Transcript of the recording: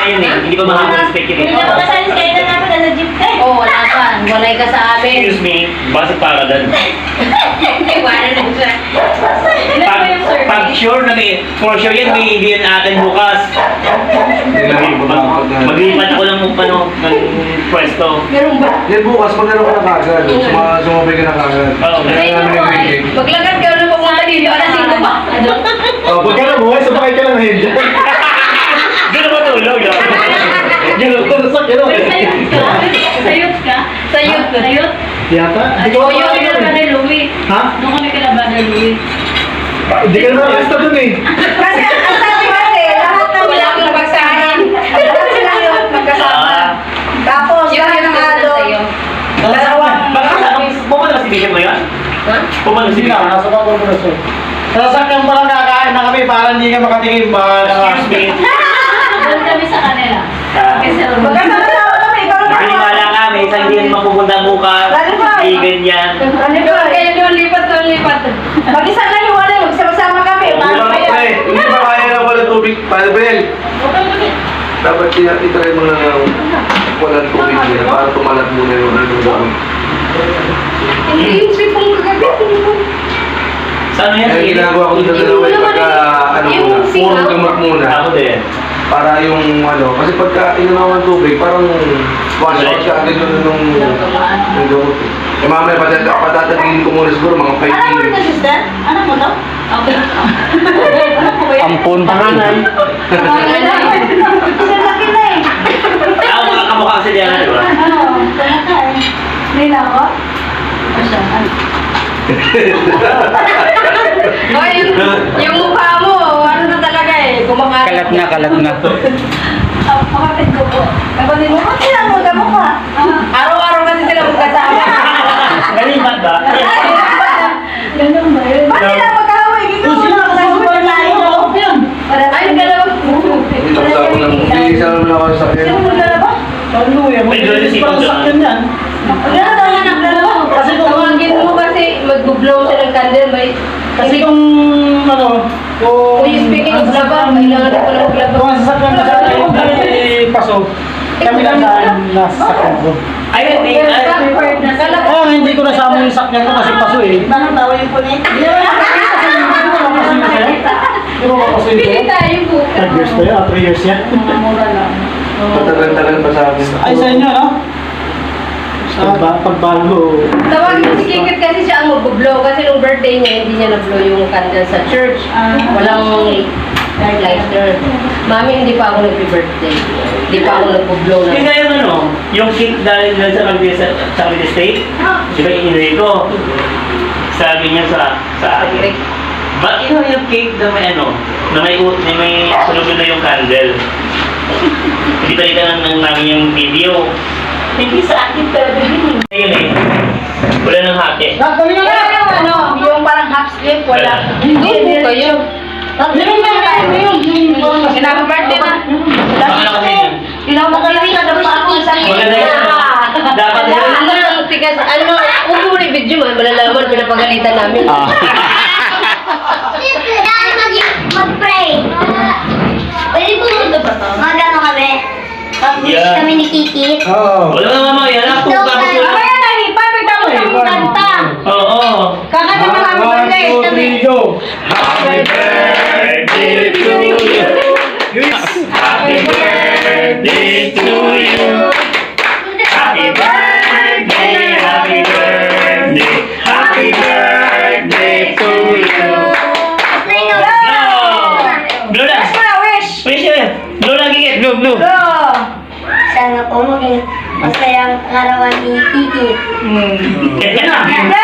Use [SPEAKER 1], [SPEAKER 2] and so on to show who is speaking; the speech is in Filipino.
[SPEAKER 1] yun eh. Hindi pa makaka-respect yun eh.
[SPEAKER 2] Hindi naman kasali sa kailan namin nasa jeep ka eh.
[SPEAKER 3] Oo, wala pa. Walay ka sa amin.
[SPEAKER 1] Excuse me, base para doon.
[SPEAKER 3] Wala na siya.
[SPEAKER 2] Ilan ba yung survey?
[SPEAKER 1] Pag sure na may, for sure yan, may hindi yan atin bukas. Maglipat ako ng pwesto.
[SPEAKER 3] Meron ba?
[SPEAKER 4] Yan bukas, maglaro ka na kagad. Sumabay ka na kagad.
[SPEAKER 1] Oo.
[SPEAKER 4] Kaya namin nag-break.
[SPEAKER 3] Maglagad ka na pumunta dito. Alas 5 pa.
[SPEAKER 4] Pag ka na buhay, sabay ka lang na hindi.
[SPEAKER 1] Doon na matulog.
[SPEAKER 4] Yan ang tulasak yun.
[SPEAKER 2] Sayot ka?
[SPEAKER 3] Sayot.
[SPEAKER 2] Sayot?
[SPEAKER 4] Yata? Hindi
[SPEAKER 2] Oo,
[SPEAKER 4] ko
[SPEAKER 2] yung
[SPEAKER 4] makakala
[SPEAKER 2] kailan
[SPEAKER 4] eh.
[SPEAKER 2] ni Louie.
[SPEAKER 4] Ha?
[SPEAKER 2] Doon kami kalaban ni Louie.
[SPEAKER 4] Hindi ka naman basta dun eh.
[SPEAKER 5] Kasi ang sabi kasi, lahat ng
[SPEAKER 3] Wala akong nabagsahan.
[SPEAKER 5] lahat sila yun magkasama. Tapos, lahat ng halo.
[SPEAKER 1] Baka pumunta ba si Bishop mo yun?
[SPEAKER 3] Ha?
[SPEAKER 1] Pumunta si
[SPEAKER 4] Sige na,
[SPEAKER 1] Bishop.
[SPEAKER 4] nasa pa po na siya. Sasakyan pa lang kakain na kami para hindi ka makatingin ba?
[SPEAKER 1] Excuse me.
[SPEAKER 2] Doon kami sa kanila. Kasi
[SPEAKER 5] Magkasama kami, ikaw na
[SPEAKER 1] Maniwala ka, may isang hindi yan mapupunta bukas. Hindi ganyan.
[SPEAKER 3] Kaya doon lipat.
[SPEAKER 5] Mag-isa na yung wala, magsama-sama kami.
[SPEAKER 4] Hindi
[SPEAKER 5] Paano
[SPEAKER 4] ba
[SPEAKER 5] ba
[SPEAKER 4] pre?
[SPEAKER 5] yan?
[SPEAKER 4] Hindi ba kaya na wala tubig? Paano ba yan? Dapat itry mo na walang tubig nila para tumalat muna yung ano gamot.
[SPEAKER 3] Hindi yung sipong kagabi.
[SPEAKER 1] Saan yan?
[SPEAKER 4] Kaya ginagawa ko sa dalawa yung pagka ano muna, puro gamot muna.
[SPEAKER 1] Ako din.
[SPEAKER 4] Para yung ano, kasi pagka inunaw ng tubig, parang wash out siya agad yung gamot. Eh mamaya patatagin ko muna siguro mga 5
[SPEAKER 5] Anak mo rin na,
[SPEAKER 4] minutes.
[SPEAKER 5] sister? Anak mo to?
[SPEAKER 2] Okay.
[SPEAKER 1] Ampun. Panganay.
[SPEAKER 5] Kasi laki na eh.
[SPEAKER 1] Ako mga kamukha kasi diyan, di ba?
[SPEAKER 5] Ano? Sana ka eh. Hindi na ako? Asya, ano?
[SPEAKER 3] O, yung mukha mo, ano na talaga eh. Kumakalat.
[SPEAKER 1] kalat na.
[SPEAKER 5] Kapatid ko po. Kapatid mo, ba't sila mo ka?
[SPEAKER 3] Araw-araw kasi sila magkasama.
[SPEAKER 1] Kalimat ba?
[SPEAKER 5] Ganun ba yun? Ba't sila magkahaway? Dito mo na magkahaway tayo.
[SPEAKER 3] Ay, dalawa.
[SPEAKER 4] Hindi tapos ako lang, hindi isa naman ako sa akin.
[SPEAKER 5] Sino mo dalawa?
[SPEAKER 1] May doon si Pong
[SPEAKER 5] Gano'n daw yan ang dalawa.
[SPEAKER 3] Kasi tawagin mo kasi mag-blow siya ng candle.
[SPEAKER 6] Kasi kung ano,
[SPEAKER 3] Kung you speaking of laba, kailangan ko lang maglaba.
[SPEAKER 6] kung ang sasakyan ka sa akin ay paso, kami lang nasa sakyan ko.
[SPEAKER 1] Ay, hindi.
[SPEAKER 6] Kaya hindi ko nasama yung sakyan ko kasi paso eh.
[SPEAKER 5] Bakit tawa yung punit?
[SPEAKER 6] Di ba paso yun
[SPEAKER 3] Pili
[SPEAKER 6] sa'yo?
[SPEAKER 3] tayo bukas.
[SPEAKER 6] 3 years ba yun? 3 years yan?
[SPEAKER 5] Mura lang.
[SPEAKER 4] Matagal-tagal pa sa akin.
[SPEAKER 6] Ay sa inyo no? Sa pagbago.
[SPEAKER 3] Tawagin mo si Kikit kasi siya ang mag-blow. Kasi nung birthday niya, hindi niya na-blow yung candle sa church. Walang lighter. Mami, hindi pa ako nag-birthday. Hindi pa ako nag-blow na.
[SPEAKER 1] Hindi kaya yung cake dahil sa Cavite State, di ba inuwi ko? Sabi niya sa akin, ba't inuwi yung cake na may na may sunod na yung candle? Kita lang namin yung video.
[SPEAKER 2] Hindi sa akin pero din.
[SPEAKER 1] Ayun eh, wala nang hake.
[SPEAKER 6] Dali na
[SPEAKER 5] Kaya yung ano, yung parang half sleeve, wala.
[SPEAKER 3] Hindi po kayo.
[SPEAKER 5] Kinaka-birthday na.
[SPEAKER 1] Baka na kasi yun.
[SPEAKER 5] Kinaka-birthday na dapat ako isang
[SPEAKER 1] Maganda yun. Dapat yun.
[SPEAKER 3] Ang tigas, huwag mo rin video man, malalaman, pinapagalitan namin.
[SPEAKER 7] Dahil mag-pray. Pwede po mag-ano kami. Tapos
[SPEAKER 1] Yeah.
[SPEAKER 7] kami ni Kikit.
[SPEAKER 4] Oo.
[SPEAKER 1] Wala na mama, yan ako.
[SPEAKER 7] Ito,
[SPEAKER 1] Tapos
[SPEAKER 7] kaya-
[SPEAKER 1] wala.
[SPEAKER 5] Kaya na, perfect ako yung kanta.
[SPEAKER 1] Oo.
[SPEAKER 5] Kakanta na kami birthday.
[SPEAKER 4] 1, 2, 3, go!
[SPEAKER 1] Happy birthday to you. Happy birthday to you. Happy birthday, happy birthday, happy birthday to you. Blow na.
[SPEAKER 5] Wish!
[SPEAKER 1] Wish yun. Blow na gigit. Blow.
[SPEAKER 5] Go!
[SPEAKER 7] Sana po maging masayang arawan ni Kikit.
[SPEAKER 1] Yan na.